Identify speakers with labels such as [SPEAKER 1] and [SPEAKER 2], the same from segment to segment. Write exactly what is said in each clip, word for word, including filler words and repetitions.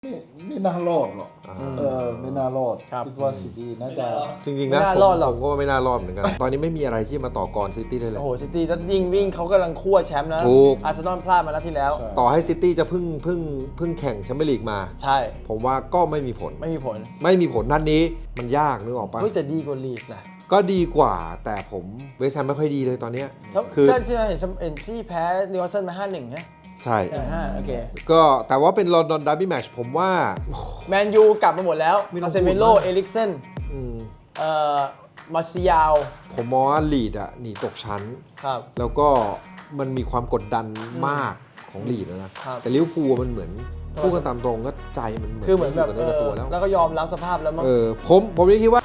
[SPEAKER 1] ไม่ไม่น่ารอดหรอกเออไม่น่ารอดคิดว่าซิตี้น่าจะ
[SPEAKER 2] จริงๆนะผมผมก็ว่าไม่น่ารอดเหมือนกัน ตอนนี้ไม่มีอะไรที่มาต่อกรซิตี้ได้เลย
[SPEAKER 3] โอ้โหซิตี้แล้วยิงวิ่งเขากำลังคั่วแชมป์นะอาร์เซนอลพลาดมาแล้วที่แล้ว
[SPEAKER 2] ต่อให้ซิตี้จะเพิ่งเพิ่งเพิ่งแข่งแชมเปี้ยนลีกมา
[SPEAKER 3] ใช่
[SPEAKER 2] ผมว่าก็ไม่มีผล
[SPEAKER 3] ไม่มีผล
[SPEAKER 2] ไม่มีผลนัดนี้มันยากนึกออกปะ
[SPEAKER 3] เฮ้ยจะดีกว่าลีกนะ
[SPEAKER 2] ก็ดีกว่าแต่ผมเวสต์แฮมไม่ค่อยดีเลยตอนนี้
[SPEAKER 3] คือที่เราเห็นเอ็นซี่แพ้นิวคาสเซิลมา ห้าหนึ่ง นะ
[SPEAKER 2] ใช่
[SPEAKER 3] หนึ่งห้าโอเค
[SPEAKER 2] ก็แต่ว่าเป็นลอนดอนดาร์บี้แมตช์ผมว่า
[SPEAKER 3] แมนยูกลับมาหมดแล้วอาเซเมโลเอลิกเซนเอ่อมาซิยาว
[SPEAKER 2] ผมมองว่าลีดอ่ะหนีตกชั้น
[SPEAKER 3] ครับ
[SPEAKER 2] แล้วก็มันมีความกดดันมากของลีดแล้วนะแต่ลิเวอร์พูลมันเหมือนพูดกันตามตรงก็ใจมันเหมือน
[SPEAKER 3] คือเหมือนแบบ
[SPEAKER 2] เออตัวแล้ว
[SPEAKER 3] แล้วก็ยอมรับสภาพแล้วมั้ง
[SPEAKER 2] เออผมผมยังคิดว่า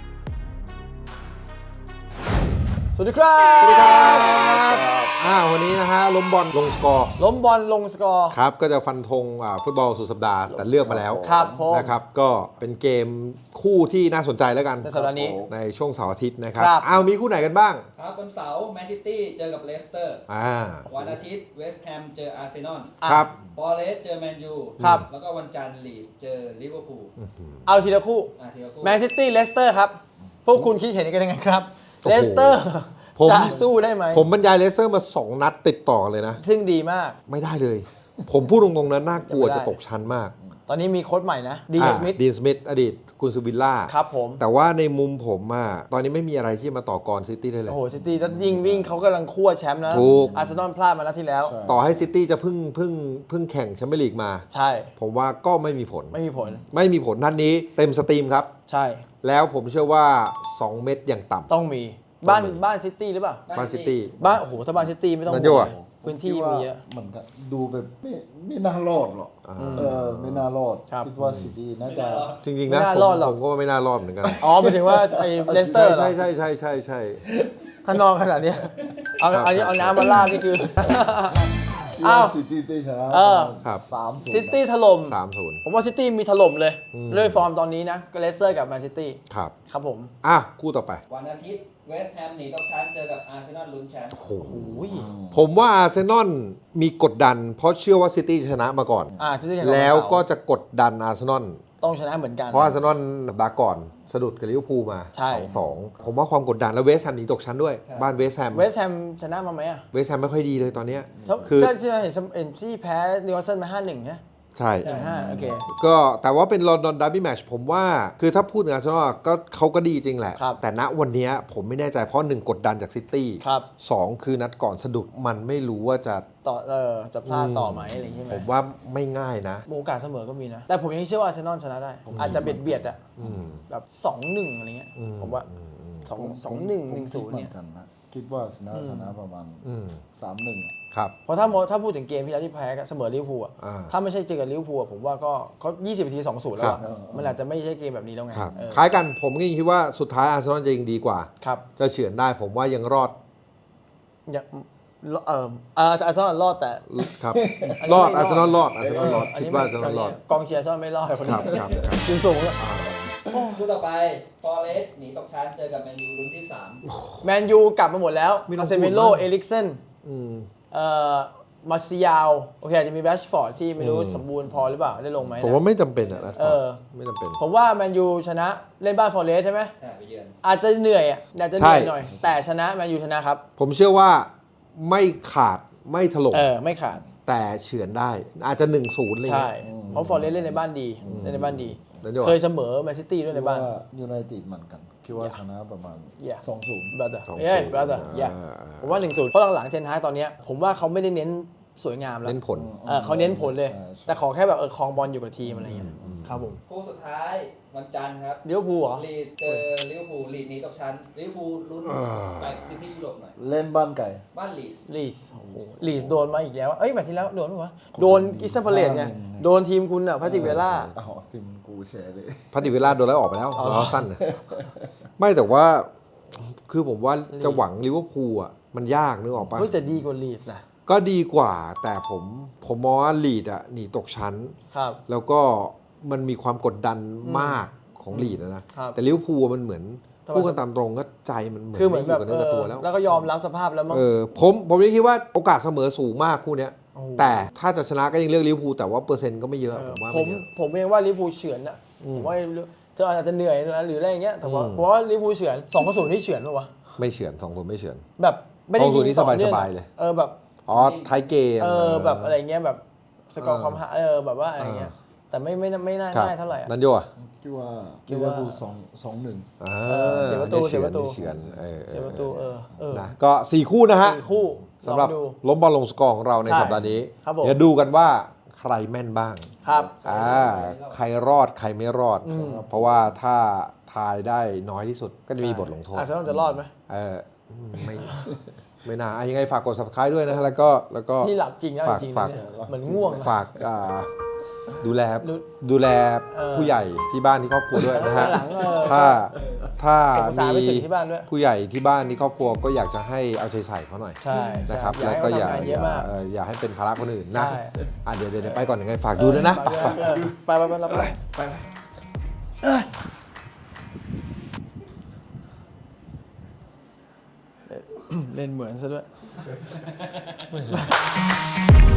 [SPEAKER 3] สวัสดีครับ
[SPEAKER 2] สวัสดีครับอ่าวันนี้นะฮะล้มบอลลงสกอร์
[SPEAKER 3] ล้มบอลลงสกอร์
[SPEAKER 2] ครับก็จะฟันธงอ่าฟุตบอลสุดสัปดาห์แต่เลือกมาแล้ว
[SPEAKER 3] ครับ
[SPEAKER 2] นะครับก็เป็นเกมคู่ที่น่าสนใจแล้วกัน
[SPEAKER 3] ในสัปดาห์นี้
[SPEAKER 2] ในช่วงเสาร์อาทิตย์นะครับอ้าวมีคู่ไหนกันบ้าง
[SPEAKER 4] ครับวันเสาร์แมนซิตี้เจอกับเลสเตอร์
[SPEAKER 2] อ่า
[SPEAKER 4] วันอาทิตย์เวสต์แฮมเจออาร์เซนอล
[SPEAKER 2] ครับ
[SPEAKER 4] ฟอเรสต์เจอแมนยู
[SPEAKER 3] ครับ
[SPEAKER 4] แล้วก็วันจันทร์ลีดเจอลิเวอร์พูล
[SPEAKER 3] เอาทีละคู่แมนซิตี้เลสเตอร์ครับพวกคุณคิดเห็นกันยังไงครับเลสเตอร์จะสู้ได้ไหม
[SPEAKER 2] ผมบรรยายเลสเตอร์มาสองนัดติดต่อเลยนะ
[SPEAKER 3] ซึ่งดีมาก
[SPEAKER 2] ไม่ได้เลยผมพูดตรงๆนะน่ากลัวจะตกชั้นมาก
[SPEAKER 3] ตอนนี้มีโค้ชใหม่นะดีนสมิธ
[SPEAKER 2] ดีนสมิธอดีตกุนซือวิลล่า
[SPEAKER 3] ครับผม
[SPEAKER 2] แต่ว่าในมุมผมอะตอนนี้ไม่มีอะไรที่มาต่อกรซิตี้ได้เลย
[SPEAKER 3] โอ้โหซิตี้แล้วยิงวิ่งเขากำลังคั่วแชมป์นะอาร์เซนอลพลาดมาแล้วที่แล้ว
[SPEAKER 2] ต่อให้ซิตี้จะเพิ่งเพิ่งเพิ่งแข่งแชมเปี้ยนลีกมา
[SPEAKER 3] ใช่
[SPEAKER 2] ผมว่าก็ไม่มีผล
[SPEAKER 3] ไม่มีผล
[SPEAKER 2] ไม่มีผลนัดนี้เต็มสตรีมครับ
[SPEAKER 3] ใช่
[SPEAKER 2] แล้วผมเชื่อว่าสองเม็ดอย่างต่ำ
[SPEAKER 3] ต้องมีบ้านบ้านซิตี้หรือเปล่า
[SPEAKER 2] บ้านซิตี้
[SPEAKER 3] บ้านโอ้โหถ้าบ้านซิตี้ไม่ต้อง
[SPEAKER 2] ห่วง
[SPEAKER 3] พื้นที่มีเยอะ
[SPEAKER 1] เหมือนกันดูแบบไม่ไม่น่ารอดหรอกเออไม่น่ารอดคิดว่าซิตี้น่าจะ
[SPEAKER 2] จริงๆนะผมก็ว่าไม่น่ารอดเหมือนกัน
[SPEAKER 3] อ๋อหมายถึงว่าไอ้เลสเตอร์
[SPEAKER 2] ใช่ใช่ใช่ใช่ใช่
[SPEAKER 3] ถ้านอนขนาดนี้เอาอันนี้เอาน้ำมาลาดนี่คือ
[SPEAKER 1] อ้าวซิตี้ได้ชนะสามศูนย์
[SPEAKER 3] ซิตี้ถล่ม
[SPEAKER 2] สามศูนย์
[SPEAKER 3] ผมว่าซิตี้มีถล่มเลยด้วยฟอร์มตอนนี้นะก็เลสเตอร์กับแมนซิตี้
[SPEAKER 2] ครับ
[SPEAKER 3] ครับผม
[SPEAKER 4] อ่ะ
[SPEAKER 2] คู่ต่อไป
[SPEAKER 4] วันอาทิตย์เวสต์แฮมหนีตกชั้นเจอกับอาร์เซนอลลุ้นแชมป์
[SPEAKER 2] โอ้โหผมว่าอาร์เซนอลมีกดดันเพราะเชื่อว่าซิตี้ชนะมาก่อน
[SPEAKER 3] อ่าซิตี้ชนะ
[SPEAKER 2] แล้วก็จะกดดันอาร์เซนอล
[SPEAKER 3] ต้องชนะเหมือนกัน
[SPEAKER 2] เพราะอาร์เซนอลสัปดาห์ก่อนสะดุดกับลิเวอร์พูลมา
[SPEAKER 3] ใช่
[SPEAKER 2] สองผมว่าความกดดันแล้วเวสต์แฮมหนีตกชั้นด้วยบ้านเวสต์แฮม
[SPEAKER 3] เวสต์แฮมชนะมาไหมอ่ะ
[SPEAKER 2] เวสต์แฮมไม่ค่อยดีเลยตอนนี้
[SPEAKER 3] คือที่เราเห็นเอ็นซี่แพ้นิวคาสเซิลมา ห้าหนึ่ง นะ
[SPEAKER 2] ใช่
[SPEAKER 3] หนึ่งห้าโอเค
[SPEAKER 2] ก็แต่ว่าเป็นลอนดอนดาร์บี้แมตช์ผมว่าคือถ้าพูดถึงอาร์เซนอลก็เขาก็ดีจริงแหละแต่ณวันนี้ผมไม่แน่ใจเพราะหนึ่งกดดันจากซิตี้สองคือนัดก่อนสะดุดมันไม่รู้ว่าจะ
[SPEAKER 3] ต่อเออจะพลาดต่อไหมอะไรอย่างเงี้ย
[SPEAKER 2] ผมว่าไม่ง่ายนะ
[SPEAKER 3] โอกาสเสมอก็มีนะแต่ผมยังเชื่อว่าอาร์เซนอลชนะได้อาจจะเบียดเบียดอ่ะแบบสองหนึ่งอะไรเงี้ยผมว่าสองสองหนึ่งหนึ่งศูนย์เนี่ย
[SPEAKER 1] คิดว่าชนะชนะประมาณสามหนึ่ง
[SPEAKER 2] ครับ
[SPEAKER 3] เพราะถ้าถ้าพูดถึงเกมที่แล้วที่แพ้เสมอลิเวอร์พูลอ่ะถ้าไม่ใช่เจอกับลิเวอร์พูลผมว่าก็เขายี่สิบนาทีสองศูนย์แล้วมันอาจจะไม่ใช่เกมแบบนี้แล้วไง
[SPEAKER 2] คล้ายกันผมก็ยังคิดว่าสุดท้ายอาร์เซนอลจะยิงดีกว่า
[SPEAKER 3] ครับ
[SPEAKER 2] จะเฉือนได้ผมว่ายังรอด
[SPEAKER 3] ยังเอออาร์เซนอลรอดแต่
[SPEAKER 2] ครับรอดอาร์เซนอลรอดอาร์เซนอลรอดคิดว่าอาร์เซนอลรอด
[SPEAKER 3] กองเชียร์อาร์เซนอลไม่รอดคน
[SPEAKER 2] นี้
[SPEAKER 3] ครับสูงสูงแล้ว
[SPEAKER 4] คู่ต่อไปฟอเรสต์หนีตกชั้นเจอกับแมนยูลุ้นที่สาม
[SPEAKER 3] แมนยูกลับมาหมดแล้วอาเซเมโลเอลิกเซนเอ่อมาซิยาวโอเคอาจจะมีแรชฟอร์ดที่ไม่รู้สมบูรณ์พอหรือเปล่าได้ลงไหม
[SPEAKER 2] ผมว่าไม่จำเป็นอ่ะ
[SPEAKER 3] เออ
[SPEAKER 2] ไม่จำเป็น
[SPEAKER 3] ผมว่าแมนยูชนะเล่นบ้านฟอเรสต์ใช่ไหม
[SPEAKER 4] ใช่ไปเยือน
[SPEAKER 3] อาจจะเหนื่อยอ่ะอาจจะเหนื่อยหน่อยแต่ชนะแมนยูชนะครับ
[SPEAKER 2] ผมเชื่อว่าไม่ขาดไม่ถล่ม
[SPEAKER 3] เออไม่ขาด
[SPEAKER 2] แต่เฉือนได้อาจจะหนึ่งศูนย์เลย
[SPEAKER 3] ใช่เพราะฟอเรสต์เล่นในบ้านดีเล่นในบ้านดีเคยเสมอแมนซิตี้ด้วยในบ้าน
[SPEAKER 1] ยูไนเต็ดเหมือนกันคิดว่าชนะประมาณสองศูนย์
[SPEAKER 3] บราเธอร์เอ้ยบราเธอร์อย่าผมว่าหนึ่งศูนย์เพราะหลังๆเทนฮากตอนนี้ผมว่าเขาไม่ได้เน้นสวยงามแล้ว
[SPEAKER 2] เน้นผล
[SPEAKER 3] เขาเน้นผลเลยแต่ขอแค่แบบเออครองบอลอยู่กับทีมอะไรอย่างเงี้ยครับผม
[SPEAKER 4] คู่สุดท้ายวันจันทร์ครับ
[SPEAKER 3] ลิเวอร์พูลเหรอ
[SPEAKER 4] ลีดเจอลิเวอร์พูลลีดหนีตกชั้นลิเวอร์พูลลุ้นไปพื้นที่ยุโรปหน่อย
[SPEAKER 1] เล่นบ้านไก่
[SPEAKER 4] บ้านลีส
[SPEAKER 3] ลีสลีสโดนมาอีกแล้วเอ้ยแบบที่แล้วโดนมั้ยโดนอิสเปเรตไงโดนทีมคุณอ่ะพาติเวล่า
[SPEAKER 1] อ๋อทีมกูแชร์เลย
[SPEAKER 2] พาติเวล่าโดนแล้วออกไปแล้วล้อสั้นไม่แต่ว่าคือผมว่าจะหวังลิเวอร์พูลอ่ะมันยากนึกออกปะ
[SPEAKER 3] เฮ้ยจะดีกว่าลีสนะ
[SPEAKER 2] ก็ดีกว่าแต่ผมผมมองว่าลีดอ่ะหนีตกชั้น
[SPEAKER 3] ครับ
[SPEAKER 2] แล้วก็มันมีความกดดันมากของลีดนะแต่ลิเวอร์พูลมันเหมือนพูดกันตามตรงก็ใจมันเหมือน
[SPEAKER 3] คือเหมือนแบบ
[SPEAKER 2] เนื้อกับตัวแล้ว
[SPEAKER 3] แล้วก็ยอมรับสภาพแล้วมั้ง
[SPEAKER 2] เออผมผมยังคิดว่าโอกาสเสมอสูงมากคู่เนี้ยแต่ถ้าจะชนะก็ยังเลือกลิเวอร์พูลแต่ว่าเปอร์เซ็นต์ก็ไม่เยอะ
[SPEAKER 3] เออ
[SPEAKER 2] ผมว่า
[SPEAKER 3] ผม
[SPEAKER 2] ไม่เยอะ
[SPEAKER 3] ผมเองว่าลิเวอร์พูลเฉือนอ่ะผมว่าเธออาจจะเหนื่อยนะหรืออะไรอย่างเงี้ยแต่ว่า
[SPEAKER 2] อืม
[SPEAKER 3] ผมว่าลิเวอร์พูลเฉือนสองต่อศูนย์ที่เฉือนป่ะวะ
[SPEAKER 2] ไม่เฉือนสองศูนย์ไม่เฉือน
[SPEAKER 3] แบบไม่ได้
[SPEAKER 2] สองศู
[SPEAKER 3] ยิ
[SPEAKER 2] นย์
[SPEAKER 3] ง
[SPEAKER 2] นี่
[SPEAKER 3] ต่อเนื่อง
[SPEAKER 2] สบาย
[SPEAKER 3] อะ
[SPEAKER 2] ๆเลย
[SPEAKER 3] เออแบบ
[SPEAKER 2] อ๋อท้ายเกม
[SPEAKER 3] เออแบบอะไรเงี้ยแบบสกอร์ความหาเออแบบว่าอะไรเงี้ยแต่ไม่ไม่ไม่น่า
[SPEAKER 2] ครับ
[SPEAKER 3] ง่ายเท่าไหร่อะ
[SPEAKER 2] นันโยอ่ะ
[SPEAKER 1] คิดว่า
[SPEAKER 3] คิ
[SPEAKER 1] ลิ
[SPEAKER 3] ด
[SPEAKER 1] เวอ
[SPEAKER 3] ว่า
[SPEAKER 1] ร์พูลสองสองหนึ่ง
[SPEAKER 2] อ่า
[SPEAKER 3] เออเสียประตู
[SPEAKER 2] ได้
[SPEAKER 3] เสียประตู
[SPEAKER 2] ได้เฉือนเออ
[SPEAKER 3] เสียประตูเออเออ
[SPEAKER 2] นะก็สี่คู่นะฮะ
[SPEAKER 3] สี่คู่
[SPEAKER 2] สำหรับ
[SPEAKER 3] ลองดู
[SPEAKER 2] ล้มบอลลงสกอร์ของเราใน
[SPEAKER 3] ใช่
[SPEAKER 2] สัปดาห์นี้
[SPEAKER 3] ครับผม
[SPEAKER 2] เดี๋ยวดูกันว่าใครแม่นบ้าง
[SPEAKER 3] ครับ
[SPEAKER 2] อ่าใครรอดใครไม่รอด เพราะว่าถ้าทายได้น้อยที่สุดก็จะมีบทลงโทษ
[SPEAKER 3] อาร์เซนอลจะรอดไหม
[SPEAKER 2] เอออืมไม่ไม่น่าอ่ะยังไงฝากกด subscribe ด้วยนะฮะแล้วก็แล้วก็
[SPEAKER 3] นี่หลับจริงนะ
[SPEAKER 2] ฝาก
[SPEAKER 3] จริงๆ
[SPEAKER 2] ฝาก
[SPEAKER 3] เนี่ยเหมือนง่วงนะ
[SPEAKER 2] ฝากอ่าดูแล
[SPEAKER 3] ดู
[SPEAKER 2] ดูแล
[SPEAKER 3] เออ
[SPEAKER 2] ผู้ใหญ่ที่บ้านที่ครอบครัวด้วยนะฮะ
[SPEAKER 3] หลังเออ
[SPEAKER 2] ถ้าถ้า
[SPEAKER 3] ส่งภาษา
[SPEAKER 2] มี
[SPEAKER 3] ไปถึงที่บ้านด้วย
[SPEAKER 2] ผู้ใหญ่ที่บ้านที่ครอบครัวก็อยากจะให้เอาใจใส่เขาหน่อย
[SPEAKER 3] ใช่
[SPEAKER 2] นะครับ
[SPEAKER 3] ใช่
[SPEAKER 2] แล้วก็อย่า
[SPEAKER 3] ให้เขาทำงาน
[SPEAKER 2] อ
[SPEAKER 3] เยอะ
[SPEAKER 2] ย่าม
[SPEAKER 3] าก
[SPEAKER 2] เอ่ออย่าให้เป็นภาระคนอื่นนะ
[SPEAKER 3] ใช่
[SPEAKER 2] อ่ะเดี๋ยวเดี๋ยวไปก่อนยังไงฝากดูด้วยนะ
[SPEAKER 3] ไปไปเออไปไปไปไปไป เล่นเหมือนซะด้วย